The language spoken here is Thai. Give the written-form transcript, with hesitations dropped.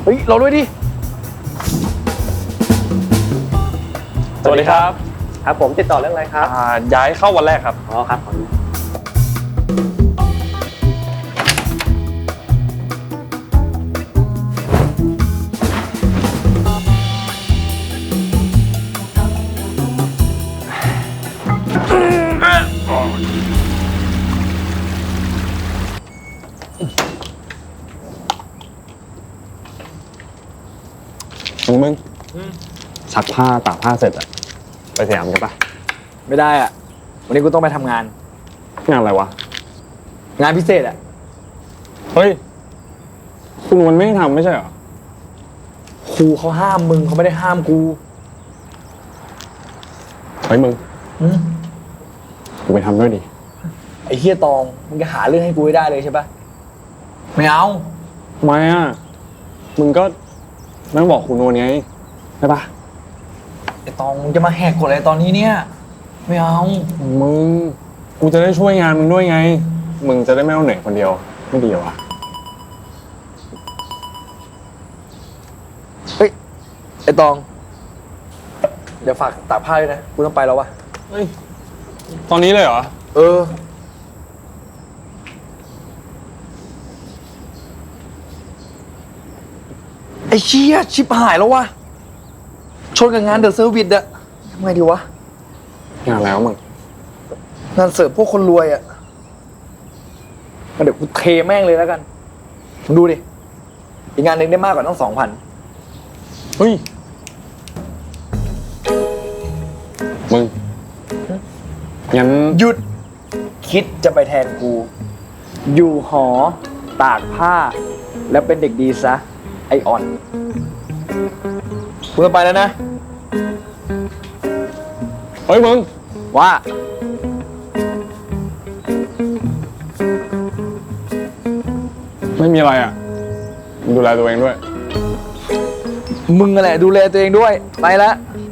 เฮ้ยเราด้วยดิสวัสดีครับครับผมติดต่อเรื่องอะไรครับย้ายเข้าวันแรกครับอ๋อครับผมมึงซักผ้าตากผ้าเสร็จอะไปสยามกันปะไม่ได้อ่ะวันนี้กูต้องไปทำงานงานอะไรวะงานพิเศษอ่ะเฮ้ยคุณมันไม่ให้ทำไม่ใช่เหรอครูเขาห้ามมึงเขาไม่ได้ห้ามกูเฮ้ยมึงอืมกูไปทำด้วยดิไอ้เฮียตองมึงจะหาเรื่องให้กูให้ได้เลยใช่ปะไม่เอาทำไมอะมึงก็นั่งบอกคุณโนนไงใช่ปะไอ้ตองมึงจะมาแหกกฎอะไรตอนนี้เนี่ยไม่เอามึงกูจะได้ช่วยงานมึงด้วยไง มึงจะได้ไม่ต้องเหนื่อยคนเดียวไม่ดีเหรอวะเฮ้ยไอ้ตองเดี๋ยวฝากตากผ้าด้วยนะกูต้องไปแล้ววะเฮ้ยตอนนี้เลยเหรอเออไอ้เชี่ยชิบหายแล้ววะชนกับงานเดอะเซอร์วิสอะทำไงดีวะงานแล้วมึงงานเสิร์ฟพวกคนรวยอะงั้นเดี๋ยวกูเทแม่งเลยแล้วกันมึงดูดิอีกงานหนึ่งได้มากกว่าต้อง2,000 เฮ้ยมึงงั้นหยุดคิดจะไปแทนกู อยู่หอตากผ้า แล้วเป็นเด็กดีซะ ไออ่อนกูจะไปแล้วนะเฮ้ยมึงว่าไม่มีอะไรอ่ะมึงดูแลตัวเองด้วยมึงนั่นแหละดูแลตัวเองด้วย ไปละไ